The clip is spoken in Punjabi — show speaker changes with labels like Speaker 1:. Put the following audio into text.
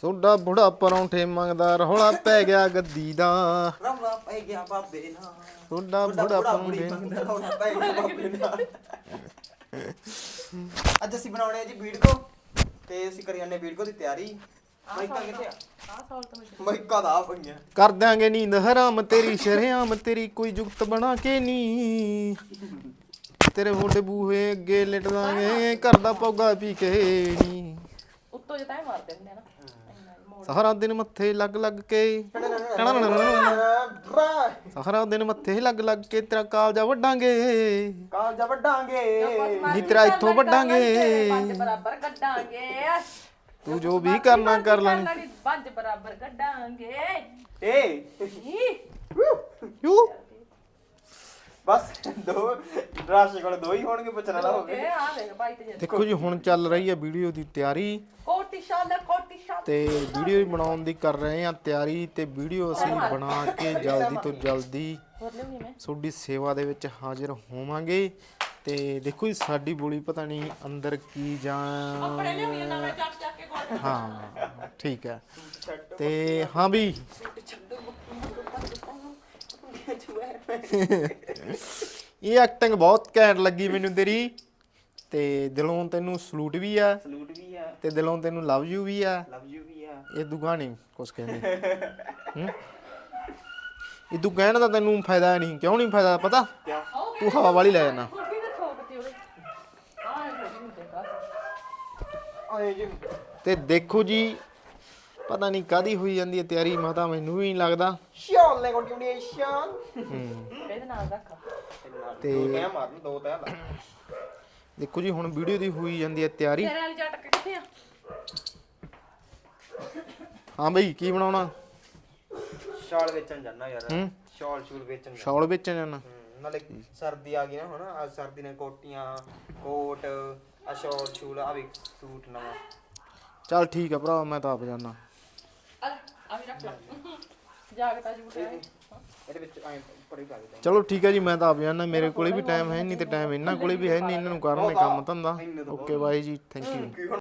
Speaker 1: ਸੋਡਾ ਬੁੜਾ ਪਰੌਂਠੇ ਮੰਗਦਾ ਰੌਲਾ ਪੈ ਗਿਆ ਗੱਦੀ ਦਾ
Speaker 2: ਰੌਲਾ ਪੈ ਗਿਆ ਬਾਬੇ ਨਾਲ
Speaker 1: ਸੋਡਾ ਬੁੜਾ ਪਰੌਂਠੇ
Speaker 2: ਮੰਗਦਾ ਰੌਲਾ ਪੈ ਗਿਆ ਬਾਬੇ ਨਾਲ ਅੱਜ ਅਸੀਂ ਬਣਾਉਣੇ ਆ ਜੀ ਵੀਡੀਓ ਤੇ ਅਸੀਂ ਕਰੀ ਜਾਂਦੇ ਵੀਡੀਓ ਦੀ ਤਿਆਰੀ ਮਾਈਕਾ ਕਿੱਥੇ ਆ ਮਾਈਕਾ ਦਾ ਆ ਪਈਆਂ
Speaker 1: ਕਰ ਦਿਆਂਗੇ ਨੀਂਦ ਹਰਾਮ ਤੇਰੀ ਸ਼ਰੇਆਮ ਤੇਰੀ ਕੋਈ ਜੁਗਤ ਬਣਾ ਕੇ ਨੀ ਤੇਰੇ ਮੋਢੇ ਬੂਹੇ ਅੱਗੇ ਲਿਟ ਦਾਂਗੇ ਘਰ ਦਾ ਪੌਗਾ ਪੀ ਕੇ ਨੀ
Speaker 3: ਉੱਤੋਂ ਜੇ ਤਾਂ ਮਾਰਦੇ ਹੁੰਦੇ ਆ ਨਾ
Speaker 1: ਸਾਰਾ ਦਿਨ ਮੱਥੇ ਲੱਗ ਲੱਗ ਕੇ ਸਾਰਾ ਦਿਨ ਮੱਥੇ ਲੱਗ ਲੱਗ ਕੇ ਤੇਰਾ ਕਾਲਜਾ ਵੱਡਾਂਗੇ
Speaker 2: ਕਾਲਜਾ ਵੱਡਾਂਗੇ
Speaker 1: ਨੀ ਤੇਰਾ ਇੱਥੋਂ ਵੱਡਾਂਗੇ
Speaker 3: ਪੰਜ ਬਰਾਬਰ ਕੱਢਾਂਗੇ
Speaker 1: ਤੂੰ ਜੋ ਵੀ ਕਰਨਾ ਕਰ ਲੈਣੀ
Speaker 3: ਪੰਜ ਬਰਾਬਰ ਕੱਢਾਂਗੇ
Speaker 2: ਏ
Speaker 1: ਯੂ
Speaker 2: ਬਸ ਦੋ ਰਾਸ਼ੀ ਕੋਲ ਦੋ ਹੀ ਹੋਣਗੇ ਪੁੱਛਣਾ ਨਾ ਹੋਵੇ
Speaker 3: ਆ ਦੇਖ ਬਾਈ ਤੇ
Speaker 1: ਦੇਖੋ ਜੀ ਹੁਣ ਚੱਲ ਰਹੀ ਹੈ ਵੀਡੀਓ ਦੀ ਤਿਆਰੀ
Speaker 3: ਕੋਟੀ ਸ਼ਾਲਾ
Speaker 1: ਤੇ ਵੀਡੀਓ ਬਣਾਉਣ ਦੀ ਕਰ ਰਹੇ ਹਾਂ ਤਿਆਰੀ ਤੇ ਵੀਡੀਓ ਅਸੀਂ ਬਣਾ ਕੇ ਜਲਦੀ ਤੋਂ ਜਲਦੀ ਤੁਹਾਡੀ ਸੇਵਾ ਦੇ ਵਿੱਚ ਹਾਜ਼ਰ ਹੋਵਾਂਗੇ ਤੇ ਦੇਖੋ ਜੀ ਸਾਡੀ ਬੋਲੀ ਪਤਾ ਨਹੀਂ ਅੰਦਰ ਕੀ ਜਾਂ ਹਾਂ ਠੀਕ ਹੈ ਤੇ ਹਾਂ ਵੀ ਇਹ ਐਕਟਿੰਗ ਬਹੁਤ ਘੈਂਟ ਲੱਗੀ ਮੈਨੂੰ ਤੇਰੀ ਤੇ ਦਿਲੋਂ ਤੈਨੂੰ ਸਲੂਟ ਵੀ ਆ ਤੇ ਦਿਲੋਂ ਤੈਨੂੰ ਲਵ ਯੂ ਵੀ ਆ ਇਹ ਦੁਗਾ ਨਹੀਂ ਕੁਛ ਕਹਿੰਦੇ ਇਹ ਤੂੰ ਕਹਿਣ ਦਾ ਤੈਨੂੰ ਫਾਇਦਾ ਨਹੀਂ ਕਿਉਂ ਨਹੀਂ ਫਾਇਦਾ ਪਤਾ ਤੂੰ ਹਵਾ ਵਾਲੀ ਲੈ ਜਾਣਾ ਤੇ ਦੇਖੋ ਜੀ ਪਤਾ ਨਹੀਂ ਕਾਦੀ ਹੋਈ ਜਾਂਦੀ ਹੈ ਤਿਆਰੀ ਮਾਤਾ ਮੈਨੂੰ ਵੀ ਨਹੀਂ ਲੱਗਦਾ
Speaker 2: ਸ਼ਾਲੇ ਕੰਟੀਨਿਊਏਸ਼ਨ
Speaker 3: ਇਹਦੇ ਨਾਲ ਰੱਖ
Speaker 2: ਤੇ ਦੋ ਤੈ ਮਾਰਨ ਦੋ ਤੈ ਲਾ
Speaker 1: ਦੇਖੋ ਜੀ ਹੁਣ ਵੀਡੀਓ ਦੀ ਹੋਈ ਜਾਂਦੀ ਹੈ ਤਿਆਰੀ
Speaker 3: ਤੇਰੇ ਵਾਲੀ ਜੱਟ ਕਿੱਥੇ ਆ
Speaker 1: ਹਾਂ ਬਈ ਕੀ ਬਣਾਉਣਾ
Speaker 2: ਸ਼ਾਲ ਵੇਚਣ ਜਾਣਾ ਯਾਰ ਸ਼ਾਲ ਸ਼ੂਲ ਵੇਚਣ
Speaker 1: ਸ਼ਾਲ ਵੇਚਣ ਜਾਣਾ
Speaker 2: ਨਾਲੇ ਸਰਦੀ ਆ ਗਈ ਨਾ ਹੁਣ ਅੱਜ ਸਰਦੀ ਨੇ ਕੋਟੀਆਂ ਕੋਟ ਆ ਸ਼ਾਲ ਸ਼ੂਲ ਆ ਵੀ ਸੂਟ ਨਵਾਂ
Speaker 1: ਚੱਲ ਠੀਕ ਆ ਭਰਾ ਮੈਂ ਤਾਂ ਆਪ ਜਾਣਾ
Speaker 3: ਆ ਵੀ ਰੱਖ ਲੈ ਜਾਗਤਾ ਜੂਟ ਹੈ
Speaker 2: ਇਹਦੇ ਵਿੱਚ ਐ ਪੜੀ ਪਾ ਦੇ
Speaker 1: ਚਲੋ ਠੀਕ ਹੈ ਜੀ ਮੈਂ ਤਾਂ ਆਪ ਜਾਣਾ ਮੇਰੇ ਕੋਲੇ ਵੀ ਟਾਈਮ ਹੈ ਨਹੀਂ ਤੇ ਟਾਈਮ ਇਹਨਾਂ ਕੋਲੇ ਵੀ ਹੈ ਨਹੀਂ ਇਹਨਾਂ ਨੂੰ ਕਰਨੇ ਕੰਮ ਧੰਦਾ ਓਕੇ ਬਾਈ ਜੀ ਥੈਂਕ ਯੂ